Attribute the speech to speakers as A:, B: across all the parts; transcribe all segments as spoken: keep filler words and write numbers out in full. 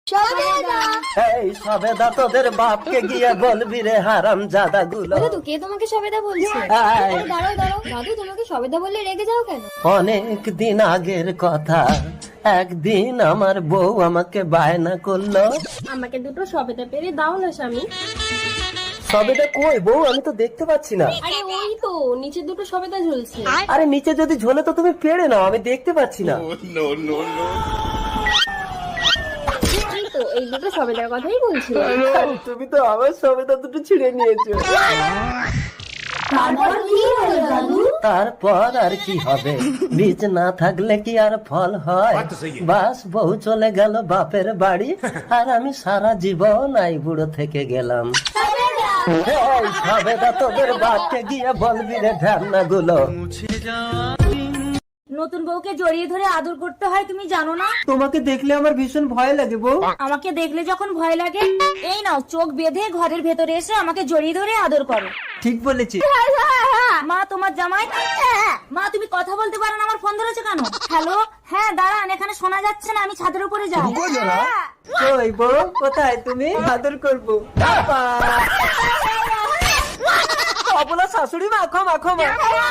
A: এই সবেদা তোদের বাপকে গিয়ে বলবি রে হারাম জাদা গুলো।
B: দাদু কে তোমাকে সবেদা বলছে? দাঁড়াও দাঁড়াও দাদু, তোমাকে সবেদা বললে রেগে যাও কেন?
A: অনেক দিন আগের কথা, একদিন আমার বউ আমাকে বায়না করলো,
B: আমাকে দুটো সবেদা পেরে দাও না স্বামী।
A: সবেদা কই বউ? আমি তো দেখতে পাচ্ছি না।
B: আরে ওই তো নিচে দুটো সবেদা ঝুলছে।
A: আরে নিচে যদি ঝোলে তো তুমি পেড়ে নাও, আমি দেখতে পাচ্ছি না।
B: এই তো এই দুটো সবেদার কথাই বলছি।
A: তুমি তো আমার সবেদা দুটো ছিঁড়ে নিয়েছো।
B: তারপর কি হলো দাদু?
A: তারপর আর কি হবে, বীজ না থাকলে কি আর ফল হয়? বাস বউ চলে গেল বাপের বাড়ি, আর আমি সারা জীবন আই বুড়ো থেকে গেলাম। এই সবেদা তোদের বাপকে গিয়ে বলবি রে ঢ্যামনা গুলো।
C: নতুন বউকে জড়িয়ে ধরে আদর করতে হয়, তুমি জানো না?
A: তোমাকে দেখলে আমার ভীষণ ভয় লাগে বউ।
C: আমাকে দেখলে যখন ভয় লাগে, এই নাও চোখ বেঁধে ঘরের ভেতরে এসে আমাকে জড়িয়ে ধরে আদর করো।
A: ঠিক বলেছি।
C: মা তোমার জামাই। মা তুমি কথা বলতে পারো না, আমার ফোন ধরেছো কেন? হ্যালো, হ্যাঁ দাঁড়ান, এখানে শোনা যাচ্ছে না, আমি ছাদের উপরে যাই।
A: ওই বউ কোথায়? তুমি আদর করবো। অবলা শাশুড়ি মাখো মাখো মা।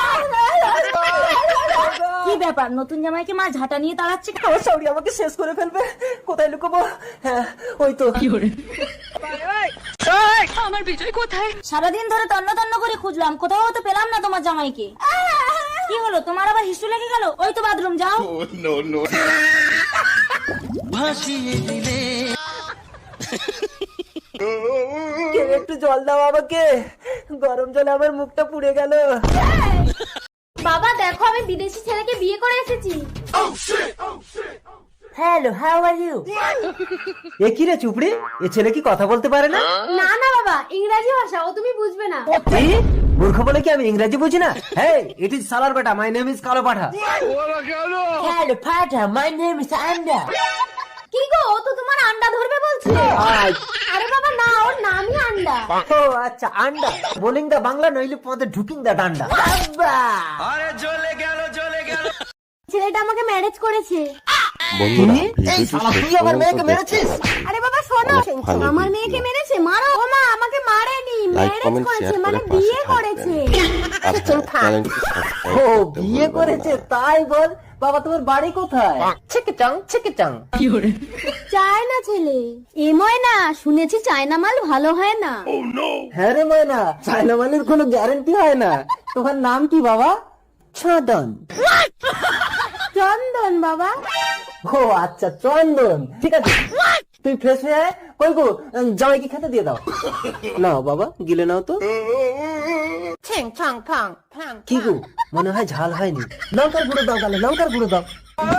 C: কি ব্যাপার, নতুন জামাইকে মা ঝাঁটা নিয়ে তাড়াচ্ছে?
A: ও সরি, আমাকে শেষ করে ফেলবে। কোথায় লুকোবো? হ্যাঁ ওই তো।
C: আমার বিজয় কোথায়? সারাদিন ধরে তন্ন তন্ন করে খুঁজলাম, কোথাও তো পেলাম না তোমার জামাইকে। কি হলো তোমার, আবার হিস্টু লেগে গেল? ওই তো বাথরুম, যাও।
A: একটু জল দাও আমাকে, গরম জলে আমার মুখটা পুড়ে গেল।
B: বাবা দেখো, আমি বিদেশি ছেলেকে বিয়ে করে এসেছি।
A: Hello, how are you? এ কি রে চুপড়ি, এ ছেলে কি কথা বলতে পারে না?
B: না না বাবা, ইংরেজি ভাষা, ও তুমি বুঝবে না।
A: কি মূর্খ বলে কি আমি ইংরেজি বুঝি না? হেই, ইট ইজ সালার বেটা, মাই নেম ইজ কালো পাঠা। হ্যালো পাঠা, মাই নেম ইজ আন্ডা।
B: কি গো, ও তো তোমার আন্ডা ধরবে বলছে। আরে বাবা না, ওর নামই আন্ডা।
A: ও আচ্ছা, আন্ডা বোলিং দা বাংলা, নইলে পদে ঢুকিং দা ডান্ডা। আরে জ্বলে গেল জ্বলে গেল।
B: ছেলেটা আমাকে ম্যারেজ করেছে।
D: বন্ধুরা
A: এই শালা, তুই আমার মেয়েকে মেরেছিস?
B: আরে বাবা শোনো,
D: ভালো
B: আমার মেয়েকে মেরেছে? মারো। ও মা, আমাকে মারেনি,
D: লাইক
B: ম্যারেজ
D: কমেন্ট
B: করেছে,
D: শেয়ার
B: মানে
D: করে পাশে
B: বিয়ে
D: থাকবেন।
B: করেছে।
D: আর হ্যাঁ, চ্যানেলটি সাবস্ক্রাইব
A: ও
D: করতে
A: বিয়ে
D: ভুলবেন
A: করেছে
D: না।
A: তাই বল। বাবা তোমার বাড়ি কোথায়? ছিকিচাং ছিকিচাং।
B: চায়না ছেলে। এ ময়না, শুনেছি চায়না মাল ভালো হয় না।
A: হ্যাঁ রে ময়না, চায়না মালের কোনো গ্যারান্টি হয় না। তোমার নাম কি বাবা? চন্দন।
B: চন্দন বাবা।
A: ও আচ্ছা চন্দন, ঠিক আছে। তুই ফ্রেশ হয়ে আয়। কই গো, জামাইকে খেতে দিয়ে দাও। নাও বাবা, গিলে নাও তো। কি গো, মনে হয় ঝাল হয়নি। লঙ্কার গুঁড়ো দাও, গালে লঙ্কার গুঁড়ো দাও।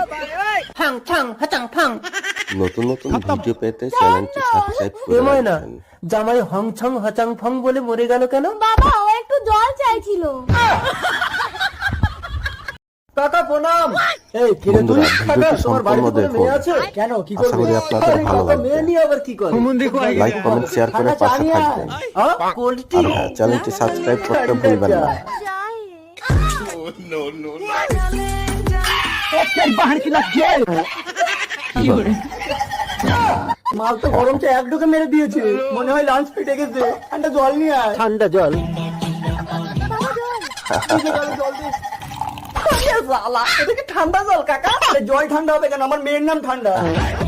D: নতুন নতুন ভিডিও পেতে চ্যানেলটি সাবস্ক্রাইব
A: এ
D: করে
A: ময়না,
D: রাখবেন।
A: জামাই হং ছং হচাং ফং বলে মরে গেল কেন?
B: বাবা ও একটু জল চাইছিল।
A: কাকা প্রণাম। এই কিরে তুই?
D: বন্ধুরা,
A: কাকা,
D: ভিডিওটি
A: তোমার বাড়িতে
D: সম্পূর্ণ
A: কোনো মেয়ে
D: দেখুন।
A: আছে? কেন, কি
D: আশা
A: করবে?
D: করি আপনাদের
A: আরে
D: ভালো
A: কাকা,
D: লাগবে।
A: মেয়ে নিয়ে আবার কি করে?
D: লাইক কমেন্ট শেয়ার করে পাশে থাকবেন।
A: আ, কোল্ডটি?
D: আর হ্যাঁ, চ্যানেলটি সাবস্ক্রাইব করতে ভুলবেন না।
A: মাল তো গরম চা এক ঢোকে মেরে দিয়েছে, মনে হয় লাঞ্চ ফিটে গেছে। ঠান্ডা জল নিয়ে আয়। ঠান্ডা জল? ঠান্ডা জল কাকা? জল ঠান্ডা হবে কেন? আমার মেয়ের নাম ঠান্ডা।